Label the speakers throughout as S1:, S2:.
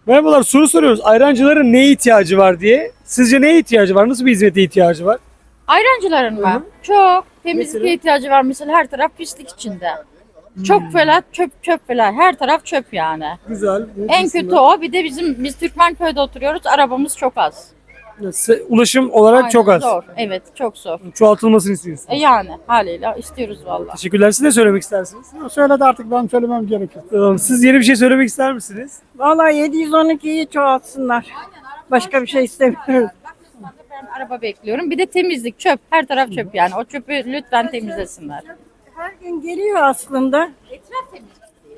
S1: Merhabalar, soru soruyoruz. Ayrancıların neye ihtiyacı var diye. Sizce neye ihtiyacı var? Nasıl bir hizmete ihtiyacı var?
S2: Ayrancıların
S1: Hı hı.
S2: mı? Çok. Temizliğe
S1: Mesela?
S2: ihtiyacı var mesela, her taraf pislik içinde. Çok fela çöp fela. Her taraf çöp yani.
S1: Güzel.
S2: En kötü o. Bir de biz Türkmenköy'de oturuyoruz. Arabamız çok az.
S1: Ulaşım olarak çok
S2: Aynen,
S1: az.
S2: zor. Evet, çok zor.
S1: Çoğaltılmasını istiyorsunuz.
S2: Yani haliyle istiyoruz vallahi.
S1: Teşekkürler. Siz ne söylemek istersiniz?
S3: Söyledi artık ben söylemem gerekir.
S1: Tamam. Siz yeni bir şey söylemek ister misiniz?
S4: Vallahi 712'yi çoğaltsınlar. Başka bir şey istemiyoruz.
S2: Ben araba bekliyorum. Bir de temizlik, çöp. Her taraf çöp yani. O çöpü lütfen temizlesinler.
S4: Her gün geliyor aslında.
S2: Etraf temiz.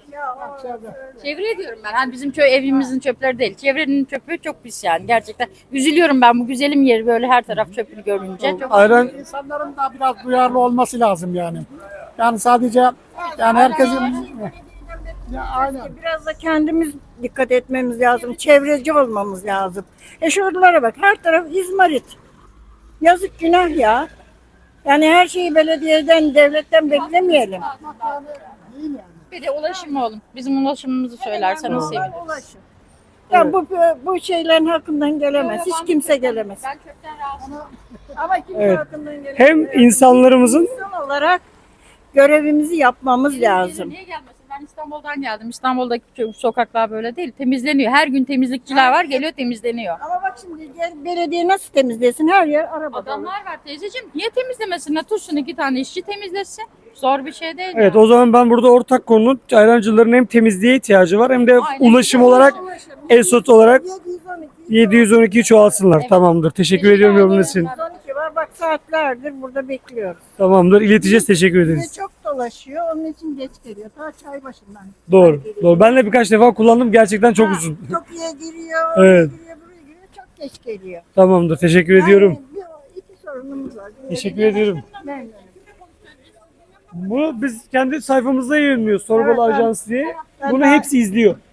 S2: Çevre diyorum ben. Hani bizim evimizin çöpleri değil. Çevrenin çöpü çok pis yani. Gerçekten üzülüyorum ben bu güzelim yeri böyle her taraf çöpünü görünce. Çok
S1: Ayran
S3: İnsanların da biraz duyarlı olması lazım yani. Yani sadece yani herkesin ya aynen.
S4: Biraz da kendimiz dikkat etmemiz lazım. Çevreci olmamız lazım. Şuralara bak, her taraf izmarit. Yazık, günah ya. Yani her şeyi belediyeden, devletten beklemeyelim.
S2: bir de ulaşım oğlum. Bizim ulaşımımızı söylerseniz seviniriz.
S4: Ulaşın. Ya bu şeylerin hakkından gelemez. Hiç kimse gelemez.
S2: Ben çöpten rahatsızım.
S4: Ama kimse
S1: Evet.
S4: hakkından gelemez.
S1: hem insanlarımızın
S4: İnsan olarak görevimizi yapmamız lazım.
S2: Niye gelmesin? Ben İstanbul'dan geldim. İstanbul'daki sokaklar böyle değil. Temizleniyor. Her gün temizlikçiler var. Geliyor temizleniyor.
S4: Ama bak şimdi belediye nasıl temizlesin? Her yer araba dolu.
S2: Adamlar var teyzeciğim. Niye temizlemesinler? Tutsun 2 tane işçi temizlesin. Zor bir şey değil.
S1: evet,
S2: yani.
S1: o zaman ben burada ortak konunun ayrancıların hem temizliğe ihtiyacı var hem de
S2: Aynen.
S1: ulaşım olarak ESOT olarak
S4: 712
S1: 712'yi çoğalsınlar. Tamamdır. Teşekkür ediyorum yorumunuz için.
S4: 712 var. Bak saatlerdir burada bekliyoruz.
S1: Tamamdır. İleteceğiz. Teşekkür
S4: Bir de
S1: ederiz.
S4: çok dolaşıyor. Onun için geç geliyor. Ta çay başından.
S1: Doğru. Doğru. Ben de birkaç defa kullandım. Gerçekten çok uzun.
S4: Tokyo'ya giriyor.
S1: Evet.
S4: Oraya giriyor, buraya giriyor. Çok geç geliyor.
S1: Tamamdır. Teşekkür ediyorum.
S4: Yani iki sorunumuz var.
S1: Teşekkür ediyorum.
S4: Ben
S1: Bunu biz kendi sayfamızda yayınlıyoruz. Torbalı
S4: Evet, evet.
S1: Ajans diye.
S4: Ben
S1: Bunu
S4: daha-
S1: hepsi izliyor.